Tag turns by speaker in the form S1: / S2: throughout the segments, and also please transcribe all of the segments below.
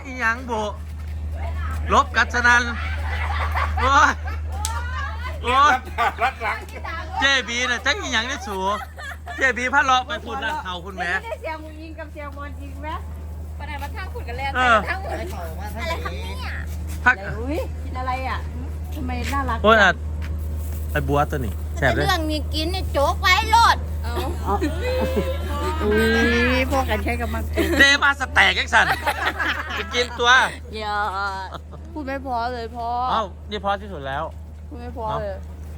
S1: อีหยังโบลบกัศนันโอ้ยโอ้ย
S2: รัดหลัง
S1: เจบีน่ะจักอีหยังได้สูเจบีพาเลาะไปพูดร้านเขาคุณแม่
S3: ได้เสียงมึงยิงกับเสียงบอลจริงไหม
S4: ปนไหนมาทั้งขุดกันแล้ว
S1: เออ
S4: ทั้งหมดอะไรครับเนี่ย
S1: พัก
S3: อุ้ยกินอะไรอ่ะทำไมน่ารัก
S1: โอ้ยอ่ะไอ้บัวตัวนี้แซ่บเลย
S4: เรื่องนี้กินเนี่ยโจ๊กไว้โลดเอา
S3: อุ้ยพวกกันใช้กับมัน
S1: เดมาสแต็กยังสั่นจะกินตัว
S3: อย่าพูดไม่พอเลยพอ
S1: เอ้านี่พอที่สุดแล้ว
S3: พูดไม่พอเลย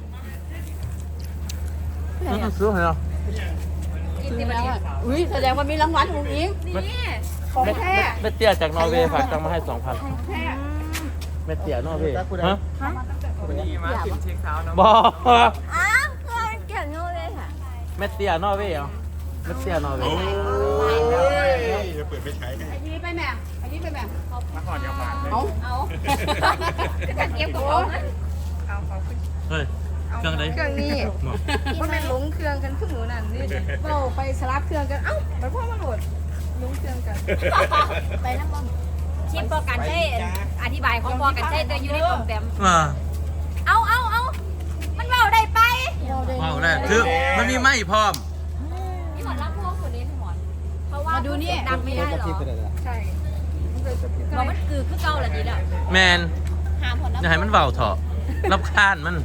S1: ซื้อเหรอ
S4: กินที่มัน
S3: อุ้ยแสดงว่ามีรางวัลของอิง
S4: นี่
S3: ของแท้
S1: เม็ดเตี้ยจากนอร์เวย์ฝากตังมาให้ 2,000
S3: แท้
S1: เม็ดเตี้ยนอร์เวย์ฮะ
S2: วันนี้มากินเช็คเช้านะ
S1: บอก
S4: อ้าวเพื่อนเก่งโน่เลยค่ะ
S1: เม็ดเตี้ยนอร์เวย์เหรอเม็ดเตี้ยนอร์เว
S2: โอ้
S1: ย์
S2: ยจะเปิดไม่ใช้
S3: ไอ้นี่ไปแม่ไอ้นี่ไปแม่
S2: มาก่อนอย่ามาเลย
S3: เอา
S4: เอาจะเก็บกับเขาไหม
S1: เฮ้ยเครื่องไหน
S3: เครื่องนี้มันเป็นหลงเครื่องกันขึ้นหนูนั่นนี่เบ้าไปสลับเครื่องกันเอ้าไปพ่อมาโหลดหลงเครื่องกัน
S4: ไปน้ำบอมชิปพอกันใช่อธิบายของพอกันใช่แต่อยู่ในกล่องแต้ม เอามันเบาได้ไป
S1: ว้าวได้คือมันมีไม้พร้อม
S4: พี่หมอนรับพวกคนนี้พี่หมอนเพราะว่าดูนี่ดังไม่ได้หรอ
S3: ใช่
S4: บอกมันคือเก่าแหละดีแล้ว
S1: แมน
S4: หาผล
S1: อย่าให้มันเบาเถอะรับคานมัน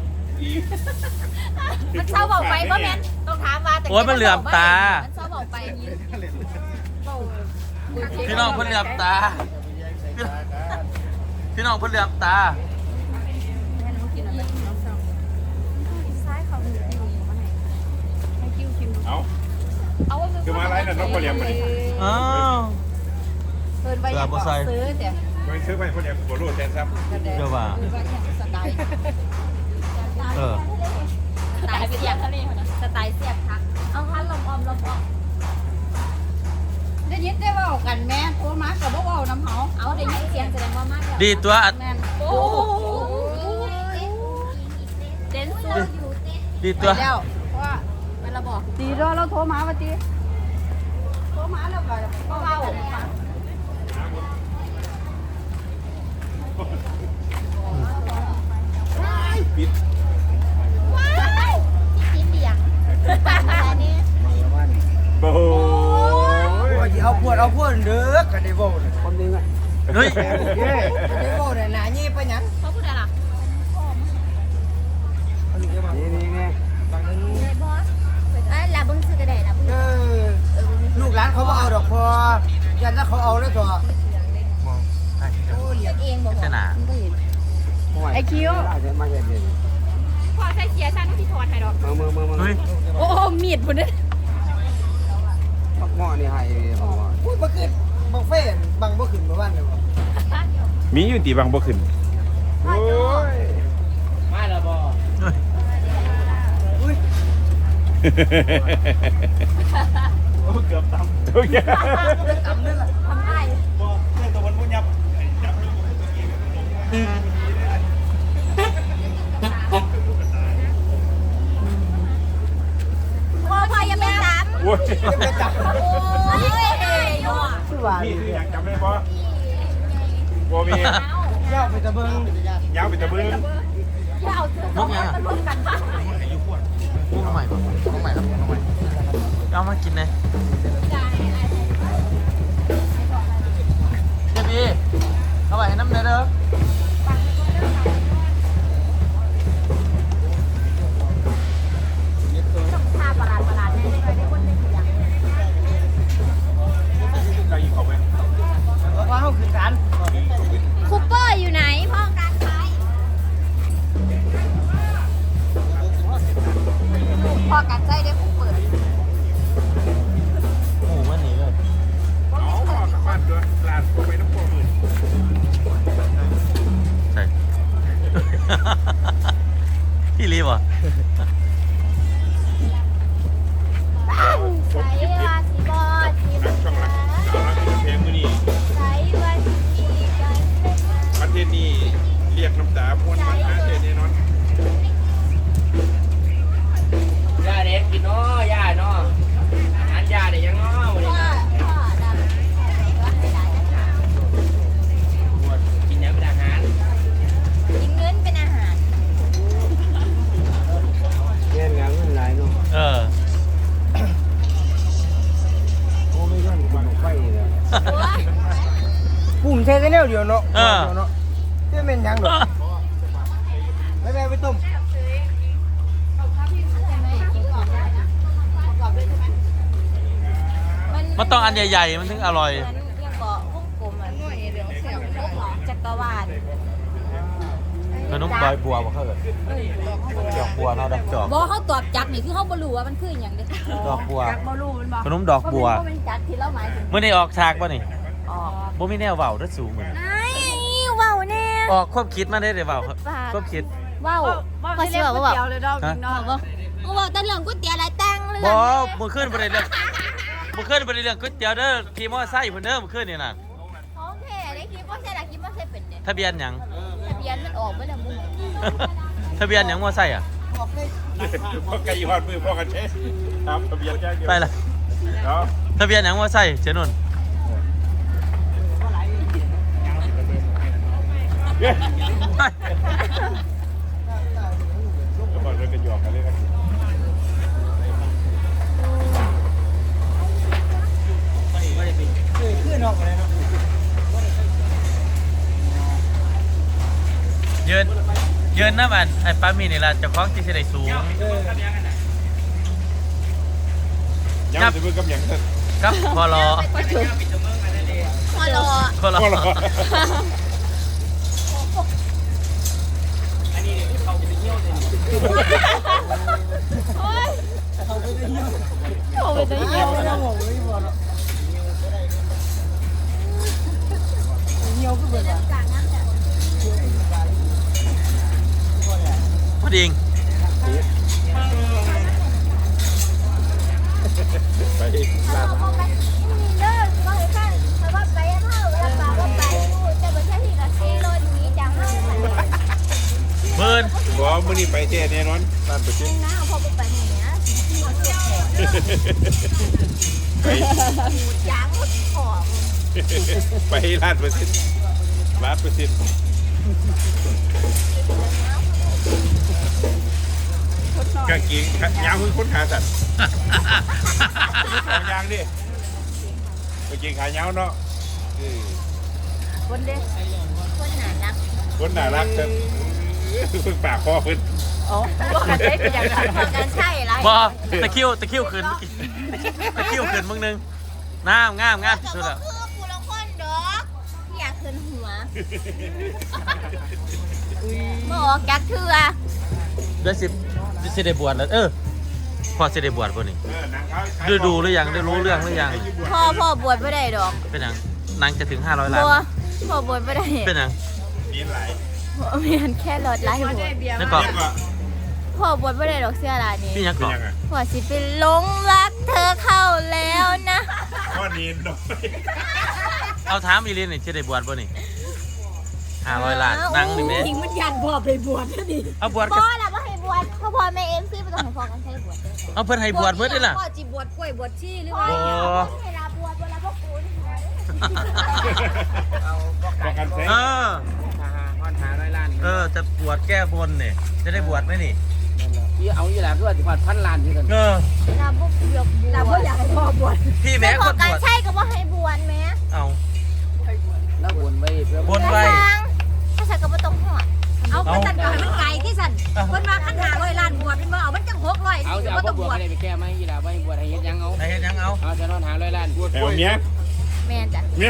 S4: มันเศร้าเบาไปเพราะแม่ต้องถามว่าแต่
S1: โอ๊ยมันเหลื่อมตา
S4: มันเศร้าเบาไป
S1: พี่น้องเพิ่นเหลือบตา พี่น้องเพิ่นเหลือบตา
S2: เอา
S4: เอา
S2: คือมาอะไรน่ะน้องพ่อเลี้ยงมาดิ
S1: อ้าว
S3: เพิ่นไปยังซื้อแต่
S2: มันซื้อไปพ่อเลี้ยงหัวโลดแทนซ้ำ
S1: เดี๋ยวว่า
S3: สไตล์
S1: เออ
S4: สไตล์เสียบทะเลสไตล์เสียบทักเอาคันลมออมลมออก
S3: ได้ยินได้ว่ากันแม่โทรมากับว่าน้ำเฮา
S4: เอาได้ยินเสียงแสดงว่ามาก
S1: ดีตัวอัด
S3: แม่น
S4: โอ้เต้นสู้อยู่เต้น
S1: ดีตัว
S3: แล้วว่า
S4: เป็นระบอก
S3: ตีรอเราโทรมาว่าตีโทรมาแล้วก็เบา
S2: ปิด
S4: ว้าวที่เปียกปากอะไรนี่
S2: โอ้ย
S5: เอาพวดเด้อกันได้บ่เนี่ยคนนึงอ่ะ
S1: เฮ้ย
S5: ได้บ่เนี่ยหน้านี่ไปหยัง
S4: เขาพูดอะไรล่ะ
S5: นี่ไงบางนึง
S4: เลยบอสลาบึ้งซื้อกระเดะลาบึ้ง
S5: ลูกหลานเขาบ่เอาดอกพอยันถ้าเขาเอาแล้วตัว
S1: มองใช่
S5: โอ้เลี้ยง
S4: เองบอก
S1: ชนะ
S3: ไอคิว
S5: มาเย็น
S4: พอใช้เสียชันที่ถอดให้ดอก
S5: มา
S1: เฮ้ย
S3: โอ้มีดพุ่นเด้
S5: ปักหม้อนี่ให้ปักหม้ออุ้ยบ่ขึ้นบังเฟ่บังบ่ขึ้นบ่บ้านเลยบ่
S2: มีอยู่ตีบางบ่ขึ้นโอ้ย
S5: มาแล้วบ่
S1: เฮ้ย
S5: อุ้ย
S2: โอ้เกือบต่ำโอเค
S5: ตำนั่นล่ะ
S4: ทำได้
S2: บ่เรื่องตัวมันมุ่งยับยับ
S4: พอยังไม่สาม
S2: โอ้ย
S5: ไปจับ
S4: โอ้ยยัว
S5: คือว่า
S2: นี่คืออยากจำได้ปะบ่มี
S5: ยาวไปตะเบิง
S2: ยาวไปตะบึง
S4: อย่าเอาเสื้อสองมันรวมกันปะ
S1: มุกใหม่ป่ะมุกใหม่ครับมุกใหม่เอามากินเลยเจบีเอาไปให้น้ำเนยเด้อ
S4: ท่าประหลาดแน่ไม่เคยได้คนได้กี่อย่าง
S2: เราอีกเข้าไป
S5: ว่าเฮาขึ้นกัน
S4: คูเปอร์อยู่ไหนพ่อการขายพ่อการใจได้คูเปอร์
S1: โอ้โหมันหนีเลย
S2: เอาออกจากบ้านด้วยลานเข้าไปน้ำพวกมือ
S1: ใช่ พี่รีบอ่ะ
S4: ใส่ว่าสีบอดสี
S2: นักช่องรักสาวรักเพลงมือนี่
S4: ใส่ว่าสีกัน
S2: ประเทศนี้เรียกน้ำตาพวนมันนะเทศนี้นอน
S5: ย่าเด็กกินเนาะย่าเนาะอาหารย่าได้ยังเนาะมื้อนี้
S4: พ่อดำว่าให้ได้
S5: ปุ่มเทกันแนวเดียวเนาะ
S1: เออ
S5: เนาะเจ้าเป็นหยังดอกไปต้ม
S1: มันต้องอันใหญ่ๆมันถึงอร่อย
S4: ยังเกาะวงกลมอ่ะจักรวาล
S1: ขนมดอยบัวบ่เขาเลยดอกบัวเนาะดอกจอก
S4: บ่เขาตอบจักนี่คือเขาบ่รู้ว่ามันคือหยังเด้
S1: ดอกบัว
S3: จักบ่รู้มันบ่
S1: ขนมดอกบัว
S4: เพราะมันจักที่เราหมายถึง
S1: เมื่อนี้ออกฉากป่ะนี่
S4: อ๋อ
S1: บ่มีแนวเว้าเด้อสูงเหมือน
S4: ไอ้เว้าแน่
S1: ออกความคิดมาได้เว้าครับความคิด
S4: เว้า
S3: ว่าสิเรียกก๋วยเตี๋ยวเลยดอกเนาะ
S4: เขาบอกแต่เรื่องก๋วยเตี๋ยวหลายตังเลย
S1: บ่มื้อคืนบ่ได้เรื่องมื้อคืนบ่ได้เรื่องก๋วยเตี๋ยวเด้อขี่มอไซค์เพิ่นเด้อมื้อคืนนี่น่ะ
S4: ของแท้ได้คิดว่าใช่ล่ะคิดว่าใช่เป็นเนี่ย
S1: ทะเบียนหยัง
S4: ทะเบียนมันออกไปแล้วมึง
S1: ทะเบียนหยังมอไซค์อ่ะ
S2: พ่อไก่ยอดมือพ่อกันเชสครับทะเบียนแจ้งเดียว
S1: ไปละ
S2: เนาะ
S1: ทะเบียนหยังมอไซค์เจนุ่น
S2: เฮ้ย
S1: ไป
S2: แล้วบอกเรื่องกันหยอกกันเรื่องกัน
S5: ขึ้นออกมาเลยเนาะ
S1: ยืนน้ำอันไอ้ป้ามีนี่ล่ะเจ้าของที่สิได้สูง
S2: ยังจะมือกับหยังเถอะ
S1: ครับพอรอ
S4: พอรอ
S1: พอรอ
S2: พ่อรอ
S3: โอ้ยจะเหี่ยวเนาะ
S1: พอดี
S2: ไปลาด
S4: เขาไปนี่เด้อว่าให้ฟังเพราะว่าไปเฮาแล้วปาว่าไปพูดแต่บ่ใช่ที่ก็ขี่รถหนีจากเฮาเหมือนกัน
S1: เพิ่น
S2: บอกมื้อนี้ไปแท้แน่นอนบ้านไปชิม
S4: นะพอไปนี่นะหมดเจ็บแผล
S2: ไป
S4: ยางหมดคอ
S2: ไปลาดเปอร์เซ็นต์ลาดเปอร์เซ็นต์กางเกงยาวคือคนขาสั่นเอายางดิกางเกงขายาวเนาะ
S4: คนเด้คนหนานัก
S2: คนน่ารักจังเพิ่งปากคอเพิ่น
S4: พอกันใช่คืออย่างนั้นพอกันใช่ไร
S1: บ่ตะคริวขึ้นเมื่อกี้ตะคริวขึ้นมึงนึงงามที่สุดแล้ว
S4: คือกูละคนดอกอยากขึ้นหัวบอกจักเถื่อ
S1: เดือน10สิได้บวชแล้วพอสิได้บวชบ่นี่
S2: หนังเขา
S1: ดูหรือยังได้รู้เรื่องหรือยัง
S4: พ่อบวชไม่ได้ดอก
S1: เป็นหยังนางจะถึง500ล้าน
S4: พ่อบวชไม่ได้
S1: เป็นหยัง
S2: มีหลาย
S4: มีอันแค่รถไล่หัว
S1: นั่นก็
S2: เรียกว่า
S4: พ่อบวชไม่ได้ดอกเสื้อลายนี้
S1: พี่หยัง
S2: เป็น
S1: ก็
S2: ยังไง
S4: พ่อสิเป็นหลงรักเธอเข้าแล้วนะ
S2: ข้อนี้น้อย
S1: เอาถามอีลินนี่สิได้บวชบ่นี่500ล้านนางนี่แม่
S3: จริงมันยันพ่อไปบวชนี่
S1: เอาบวช
S4: พ่
S1: กั
S4: อน ละว่าให้บวชพ่อแม่เอ็มซีไม่ต้องให้พ่อกันใช้บวช
S1: เอาเพิ่นให้บวชเบิดได้ล่ะ
S3: พ่อจีบวชกล้วยบวชชี้หรือ
S4: พ่อ
S3: ว่า
S4: ให้ลาบวชเวลาพ่อคุณ
S2: ประกันแท้
S1: เออ
S5: 1,500 ล้าน
S1: จะบวชแก้บนเนี่ยจะได้บวชไหมนี่
S5: ที่เอาอยู่แล้วคือว่าสิพันล้านที่กัน
S4: ลาบวชบวช
S3: แต่พ่ออยากให้พ่อบวช
S1: พี่แม่
S4: พ่
S1: ค
S4: อน
S1: บ
S4: กัน
S1: วช
S4: ใช่ก็ว่าให้บวชแม่
S1: เอา
S5: แล้ววนไว้เพื่อบ
S1: นไว้
S4: ถ้าใส่ก็ไม่ต้องหอด
S3: เอาไปตัดก่อนมันไก่ที่สั่นคนมาขันหา100 ล้านบวชเป็นบ่เอามันจัง600
S5: เอา
S3: สิ
S5: จะ
S3: บ่
S5: เอา
S3: ต้อง
S5: บบ ว
S3: ว
S5: ช
S3: ช
S5: อะไรไปแก้ไหมยีราไว้บวชให้เฮ็ดยังเอา
S1: ไหนเฮ็ดหยังเอา
S5: เอาจะนอน500 ล้าน
S2: แถวเนี้ย
S4: แม่จ้ะ
S2: เนี้ย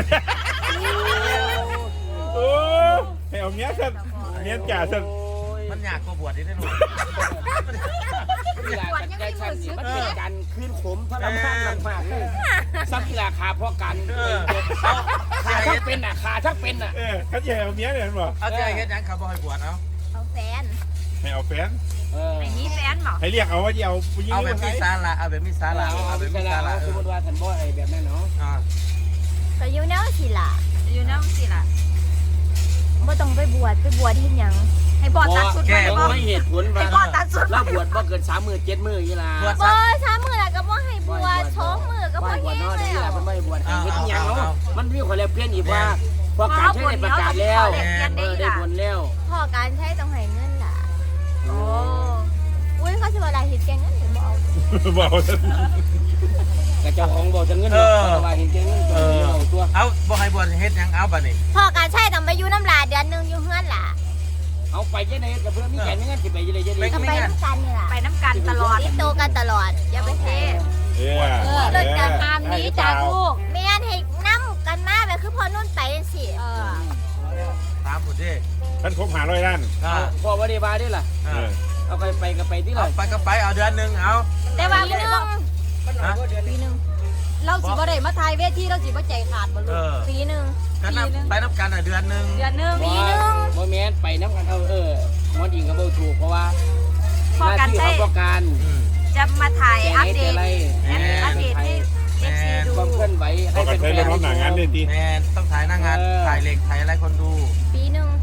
S2: โอ้แถวเนี้ยสันเนี้ยจ่าสัน
S1: มันอยากก็บวชนี่ได้หนู
S5: กีฬาใจชันนี่มันเป็นการคืนขมพระรำคาญมากๆเลยซักกีฬาขาพ่อกันขาทั้งเป็นอ่ะขาทั้งเป็นอ่ะ
S2: เขาจะเอาเนี้ยเนี่ยบอก
S1: เอาใจเฮ็ดหยังเขาบอกให้บวชเอา
S4: เอาแฟน
S2: ให้เอาแฟน
S3: ไอ้นี้แฟนเหรอ
S2: ให้เรียกเอาว่าจะเอาผู้หญิง
S1: เอาแบบมีสาระเอาแบบมีสาระเอาแบบมีสาระ
S5: สมมติว่าท่านบ่ไอ้แบบนั้นเนาะ
S4: ก็อยู่แนวสิล่ะ
S3: อยู่น้ำสิล่ะ
S4: บ่ต้องไปบวชที่หยัง
S3: ให้พ่อตัดสุดไปบ่
S5: ไม่เหตุผล
S3: ให้
S5: ว่า
S3: พ่อตัดสุด
S5: เราบวชบ่เกิน3 มื้อ 7 มื้อยีรา
S1: บวช
S4: บ่3 มื้อแล้วก็บ่ให้บวช2 มื้อก็บ่
S5: บวช
S4: แห้ง
S5: เนาะ
S4: แล้
S5: ยีราว มันไม่บวชให้เฮ็ดยังเนาะ
S1: เอา
S5: มันมีคนแล้วเปลี่ยนอีกว่าพอการใช้ได้ประกาศแล้วได้ผลแล้ว
S4: พ่อการใช้ต้องให้เงินล่ะ
S3: โอ้
S4: อุ้ยเขาสิว่าหลายเฮ็ดแกงเงินเดี๋ยวบ่เอา
S2: บอก
S5: กระเจ้าของบอกจะเงินว่าเห็นเงินตัว
S1: เอาบ่ให้บวชเฮ็ดหยังเอาบัดนี้
S4: พ่อการใช้ต้องไปอยู่น้ำลาเดือนนึงอยู่เฮือนล่ะ
S5: เอาไปยังไงกับเพื่อนมีแก่เงินสิไปยังไงยังไง
S4: ก็ไปน้ำกันนี่ล่ะไปน้ำกันตลอดติดโตกันตลอดอย่าไปเท
S2: เลิกกัน
S4: ตามนี้จากลูกแม่นให้น้ำกันมาแบบคือพอนุ่นไปจังซี่
S1: ถามพุ่นดิ
S2: ท่านคบหาร้อยล้าน
S5: พ่อว่าได้บาได้ล่ะเอาไปก็ไปที่
S1: เอา
S5: ล่ะ
S1: ไปก็ไปเอาเดือนนึงเอา
S4: แต่ว่าปีนึง
S3: ปีนึงเราสิบ่ได้มาทายเวทีเราสิบ่ใจขาดบ่ลูก
S4: ปีนึง
S1: ก็นับไปนับกันเดือนนึง
S3: เดือนนึง
S5: บ่แม่นไปน้ำกันมอดิงก็บ่ถูกเพราะว่า
S4: พอกันใช้
S5: พอการ
S4: จะมาถ่ายอัปเดต
S5: อัปเดตให้
S4: FC ดู
S5: ความเคลื่อนไหว
S2: พอกันใช้เรื่องน้องหนังงานเลยที
S1: แมนต้องถ่ายหน้างานถ่ายเหล็กถ่ายอะไรคนดู
S4: ปีนึง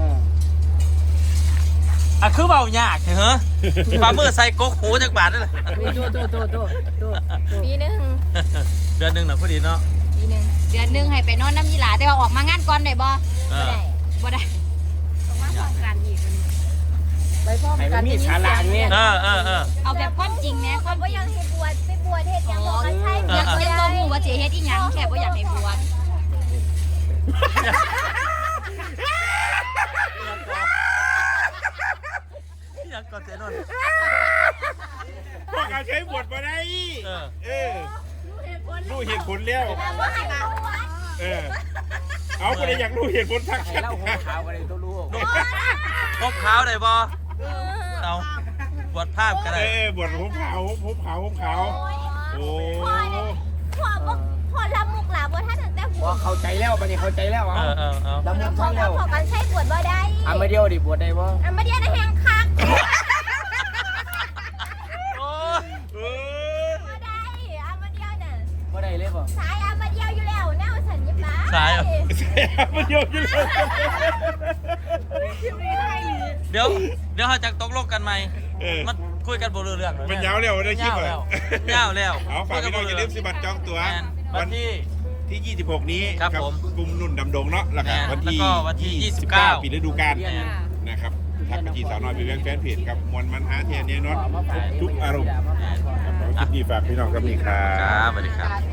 S1: อ่ะคือเบายากเหรอปลาเมื่อใส่ก๊กหูจากบาทนั่นแหละ
S4: ปีนึง
S1: เดือนนึงน่ะพอดีเนาะ
S4: ปีนึงเดือนนึงให้ไปนอนน้ำยีหลาแต่ว่าออกมางานก่อนได้บ่บ่ได้ต้องมาพร้อมกันอีก
S3: ไปพร้อม
S5: ให้
S3: กั
S5: มัน นมีสาระเนี่ย
S4: เอาแบบความจริงแม่ความบ่อยากให้บวชไปบวชเฮ็ดหยังบ่กันใช่อยากเป็นบ่ฮู้ว่าสิเฮ็ดอีหยังแค่บ่อยากให้บวช
S1: อยากกอดเจนน
S2: พอการใช้บทมาได้รู้เหตุผลแล้ว
S4: บ่ให้บวช
S2: เอาคนอยากรู้เหตุผลทัก
S5: ให้เล่าหัวขาวกันเลยตัวลูก
S1: ก๊กขาวได้บ่เอาบวชภาพก็ได้
S2: บทผมขาวโอ้
S4: พ่อละมุกล่ะบ่ทันตั้งแต่บว
S5: ว่า
S4: ช
S5: เข้าใจแล้วบัดนี้เข้าใจแล้วเอา
S1: เอา
S5: ดำเนินช่างแล้ว
S4: พ่อกันใช้บวชบ่ได้
S5: มาเดียวดิบวชได้บ่
S4: มาเดียวนะแฮงคัก
S1: โอ้
S4: บ่ได้มาเดียวน่ะ
S5: บ่ได้เลยบ่
S4: สายมาเดียวอยู่แล้วแนวสัญญาบ้า
S1: สาย
S2: มันโยนอยู่เลย
S1: เดี๋ยวเขาจะตกลงกันไหมมันคุยกันบ่รู้เรื่อง
S2: มันยาวแล้วได้คลิป
S1: ยาวแล้ว
S2: เอาฝากพี่น้องอย่าลืมสิบัตรจองตั๋ว
S1: วันที่
S2: 26 นี้
S1: ครับผม
S2: กลุ่มนุ่นดำดงเนาะแล้วก็วันที่
S1: 29
S2: ปีฤดูกาลนะครับทักไปที่สาวน้อยเป็นแฟนเพจครับมวลมันหาเทียนเนี่ยน็อตทุกอารมณ์คลิปนี้ฝากพี่น้องครับนี่ครั
S1: ครับ บสวัสดีครับ